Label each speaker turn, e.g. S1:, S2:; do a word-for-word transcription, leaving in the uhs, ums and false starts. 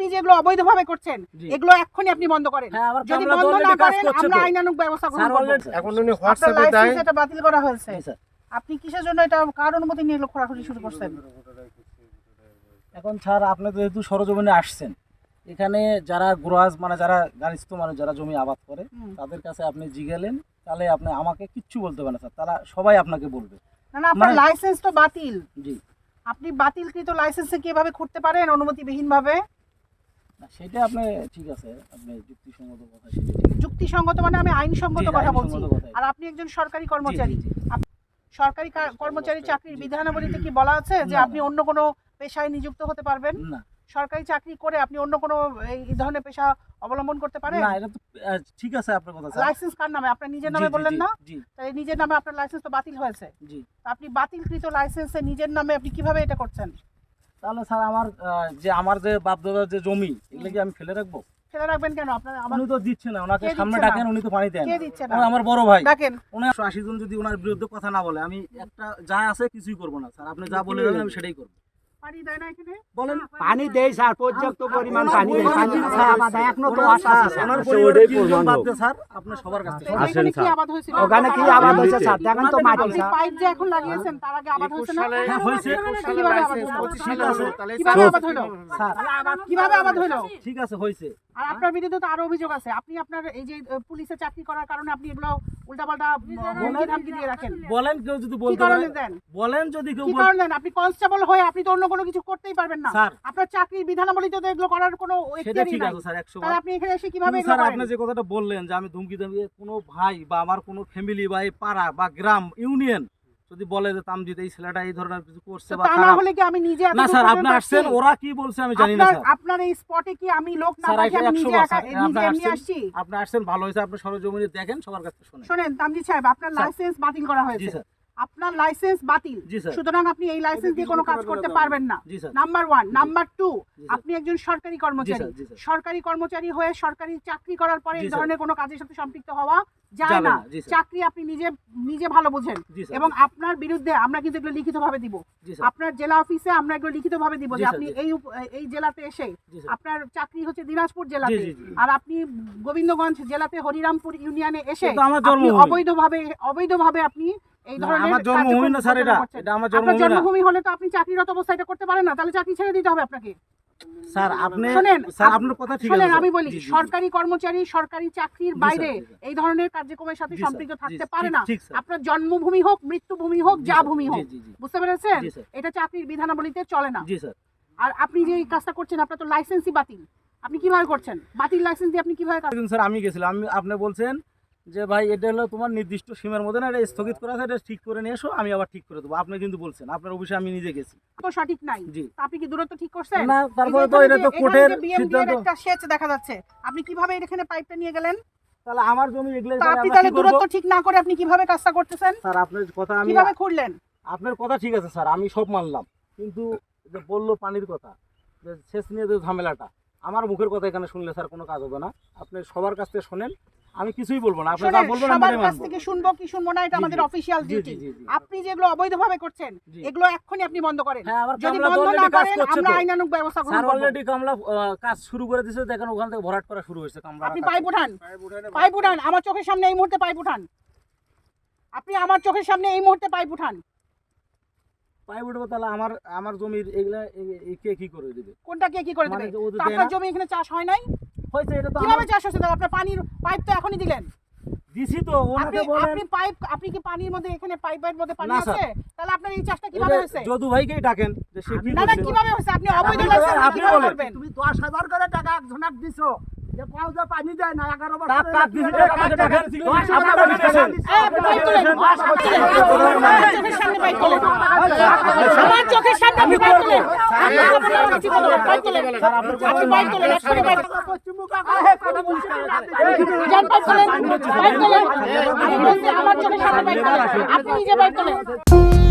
S1: যেগুলো অবৈধভাবে করছেন এগুলো এক্ষুনি আপনি বন্ধ করেন। যদি বন্ধ না করেন আমরা আইনানুগ ব্যবস্থা গ্রহণ করব।
S2: এখন উনি হোয়াটসঅ্যাপে দেয়
S1: এটা বাতিল করা হয়েছে। আপনি কিসের জন্য এটা কার অনুমতি নিয়ে এগুলো খোঁড়াখুঁড়ি শুরু করছেন?
S3: এখন স্যার আপনি তো যেহেতু সরজমিনে আসছেন, এখানে যারা গ্রাস মানে যারা গার্হস্থ্য মানুষ যারা জমি আবাদ করে তাদের কাছে আপনি জিগেলেন, তাহলে আপনি আমাকে কিচ্ছু বলতে পারেন স্যার, তারা সবাই আপনাকে বলবে।
S1: না না, আপনার লাইসেন্স তো বাতিল।
S3: জি,
S1: আপনি বাতিলকৃত লাইসেন্সে কিভাবে খুঁড়তে পারেন অনুমতিবিহীন ভাবে?
S3: সেটা আপনি ঠিক আছে, আপনি যুক্তিসঙ্গত কথা। সেটা
S1: যুক্তিসঙ্গত মানে আমি আইনসঙ্গত কথা বলছি। আর আপনি একজন সরকারি কর্মচারী, সরকারি কর্মচারী চাকরির বিধানাবলীতে কি বলা আছে যে আপনি অন্য কোনো পেশায় নিযুক্ত হতে পারবেন?
S3: না,
S1: সরকারি চাকরি করে আপনি অন্য কোনো এই ধরনের পেশা অবলম্বন করতে পারেন?
S3: না, এটা তো ঠিক আছে আপনার কথা।
S1: লাইসেন্স কার নামে? আপনার নিজের নামে বললেন না? তাই নিজের নামে আপনার লাইসেন্স তো বাতিল হয়েছে। জি, আপনি বাতিলকৃত লাইসেন্সে নিজের নামে আপনি কিভাবে এটা করছেন?
S3: তাহলে স্যার আমার যে আমার যে বাপদাদার যে জমি এগুলো কি আমি ফেলে রাখবো?
S1: ফেলে রাখবেন কেন? আপনার
S3: উনি তো দিচ্ছে না, ওনাকে সামনে ডাকেন, উনি তো পানি দেন।
S1: কে দিচ্ছে না?
S3: আমার বড় ভাই
S1: ডাকেন।
S3: উনি আশি জন যদি ওনার বিরুদ্ধে কথা না বলে আমি একটা যা আছে কিছুই করব না স্যার। আপনি যা বলে যাবেন আমি সেটাই করব।
S1: পানি দেয় না এখানে?
S3: বলেন
S4: পানি দেই স্যার, পর্যাপ্ত পরিমাণ পানি দেই। পানি ছাড়া আবাদ এখনো তো আশা আছে
S3: ওনার পরিবারের তিনজন বাদ দিয়ে স্যার আপনি সবার কাছে
S1: আসেন স্যার। কি আবাদ হয়েছিল?
S4: ওখানে কি আবাদ হয়েছে স্যার? দেখেন তো মাটি স্যার।
S1: পাইপ যে এখন লাগিয়েছেন তার আগে আবাদ হয়েছে না?
S3: হ্যাঁ হয়েছে।
S1: কিভাবে আবাদ হলো? কিভাবে আবাদ হলো স্যার? কিভাবে আবাদ হলো?
S3: ঠিক আছে হয়েছে।
S1: আর আপনার বিরুদ্ধে তো আরো অভিযোগ আছে। আপনি আপনার এই যে পুলিশে চাকরি করার কারণে আপনি এগুলো উল্টাপাল্টা হুমকি ধামকি দিয়ে রাখেন।
S3: বলেন কেউ যদি বলতে পারে দেন, বলেন যদি কেউ
S1: কি কারণে দেন? আপনি কনস্টেবল হয়ে আপনি তো অন্য কোনো কিছু করতেই পারবেন না। আপনার চাকরির বিধানাবলীতে তো এগুলো করার কোনো এখতিয়ারই নাই। তাহলে আপনি এখানে এসে কিভাবে এগুলো করেন?
S3: স্যার আপনি যে কথাটা বললেন যে আমি ধুমকি ধামকি, কোনো ভাই বা আমার কোনো ফ্যামিলি বা এই পাড়া বা গ্রাম ইউনিয়ন যদি বলে যে তামজিদ এই ছেলেটা এই ধরনের কিছু করছে বা
S1: খারাপ, না হলে কি আমি নিজে
S3: না স্যার আপনি আসছেন, ওরা কি বলছে আমি জানি না স্যার।
S1: আপনার এই স্পটে কি আমি লোক না পাঠিয়ে আমি নিজে একা নিজে এমনি আসছি?
S3: আপনি আসছেন ভালো হয়েছে, আপনি সরজমিনে দেখেন, সবার কাছে শুনেন।
S1: শুনেন তামজিদ সাহেব, আপনার লাইসেন্স বাতিল করা হয়েছে। জি স্যার, আপনার লাইসেন্স বাতিল, সুতরাং আপনি এই লাইসেন্স দিয়ে কোনো কাজ করতে পারবেন না। Number one. নাম্বার টু, আপনি একজন সরকারি কর্মচারী। সরকারি কর্মচারী হয়ে সরকারি চাকরি করার পরে এই ধরনের কোনো কাজের সাথে সম্পৃক্ত হওয়া যায় না। চাকরি আপনি নিজে নিজে ভালো বোঝেন এবং আপনার বিরুদ্ধে আমরা কিন্তু এগুলো লিখিতভাবে দিব। আপনার জেলা অফিসে আমরা এগুলো লিখিতভাবে দিব যে আপনি এই এই জেলাতে এসে, আপনার চাকরি হচ্ছে দিনাজপুর জেলাতে, আর আপনি গোবিন্দগঞ্জ জেলাতে হরিরামপুর ইউনিয়নে এসে অবৈধভাবে অবৈধভাবে আপনি এই ধরনের
S3: আমার জন্মভূমি না স্যার, এটা এটা আমার জন্মভূমি না।
S1: জন্মভূমি হলে তো আপনি চাকরিরত অবস্থায় এটা করতে পারেন না, তাহলে চাকরি ছেড়ে দিতে হবে আপনাকে।
S3: স্যার আপনি
S1: শুনেন
S3: স্যার আপনার কথা ঠিক আছে।
S1: শুনেন আমি বলি, সরকারি কর্মচারী সরকারি চাকরির বাইরে এই ধরনের কার্যক্রমের সাথে সম্পৃক্ত থাকতে পারে না। আপনার জন্মভূমি হোক, মৃত্যুভূমি হোক, যা ভূমি হোক, বুঝতে পেরেছেন? এটা চাকরির বিধানাবলীতে চলে না। জি স্যার। আর আপনি যে এই কাজটা করছেন আপনার তো লাইসেন্সই বাতিল। আপনি কিভাবে করছেন? বাতিল লাইসেন্স দিয়ে আপনি কিভাবে কাজ?
S3: স্যার আমি গেছিলাম, আমি আপনি বলছেন যে ভাই এটা হলো তোমার নির্দিষ্ট সীমার মধ্যে না, এটা স্থগিত করা আছে, এটা ঠিক করে নিয়ে এসো, আমি আবার ঠিক করে দেবো। আপনি কিন্তু বলছেন আপনার অফিসে আমি নিজে গেছি,
S1: তো সঠিক নাই। জি, আপনি কি দূরত্ব ঠিক করছেন?
S3: না, তারপরে তো এটা তো কোর্টের সিদ্ধান্ত।
S1: একটা সেচ দেখা যাচ্ছে, আপনি কিভাবে এখানে পাইপটা নিয়ে গেলেন?
S3: তাহলে আমার জমি এগুলো
S1: আপনি তাহলে দূরত্ব ঠিক না করে আপনি কিভাবে কাজটা করতেছেন?
S3: স্যার আপনার কথা আমি
S1: কিভাবে খুঁড়লেন?
S3: আপনার কথা ঠিক আছে স্যার, আমি সব মানলাম, কিন্তু যে বললো পানির কথা, যে সেচ নিয়ে যে ঝামেলাটা, আমার মুখের কথা এখানে শুনলে স্যার কোনো কাজ হবে না। আপনি সবার কাছ থেকে শোনেন, আমি কিছুই বলবো না। আপনি যা বলবেন আমি মানবো।
S1: সবার কাছ থেকে শুনবো কি শুনবো না এটা আমাদের অফিশিয়াল ডিউটি। আপনি যেগুলো অবৈধভাবে করছেন এগুলো এক্ষুনি আপনি বন্ধ করেন। যদি বন্ধ না করেন আমরা আইনানুগ ব্যবস্থা গ্রহণ করব।
S3: স্যার অলরেডি কামলা কাজ শুরু করে দিয়েছে, দেখেন ওখান থেকে ভরাট করা শুরু হয়েছে কামলা।
S1: আপনি পাইপ উঠান, পাইপ উঠান আমার চোখের সামনে এই মুহূর্তে পাইপ উঠান। আপনি আমার চোখের সামনে এই মুহূর্তে পাইপ উঠান।
S3: পাইপ উঠবো, তাহলে আমার আমার জমির এগুলা কে কি করে দিবে?
S1: কোনটা কে কি করে দিবে? আপনার জমি এখানে চাষ হয় নাই?
S3: হয়েছে, এটা তো
S1: কিভাবে চাষ হচ্ছে? আপনার পানির পাইপ তো এখনই দিলেন।
S3: দিছি তো, ওনাকে বলেন
S1: আপনি পাইপ, আপনি কি পানির মধ্যে এখানে পাইপের মধ্যে পানি আছে? তাহলে আপনার এই চাষটা কিভাবে হয়েছে?
S3: যদু ভাইকেই ডাকেন যে সে কি
S1: না না কিভাবে হয়েছে? আপনি অবৈধ লাইসেন্স
S3: আপনি বলবেন।
S4: তুমি দশ হাজার করে টাকা একজনক দিছো, যে পাঁচ হাজার পানি দেয় না, এগারো বছর
S3: টাকা কাট দিছি, টাকা টাকা ছিল আপনারা দিছেন।
S1: পাইপ তোলেন, চোখের সামনে পাইপ তোলেন, আমার চোখের সামনে আপনি পাইপ তোলেন। পাইপ তোলেন, আপনি পাইপ তোলেন, একশো পাইপ
S4: পশ্চিমবঙ্গ আহে কথা বলছি
S1: জান পাইপ তোলেন, পাইপ তোলেন। আমি বলছি আমার চোখের সামনে পাইপ তোলেন, আপনি নিজে পাইপ তোলেন।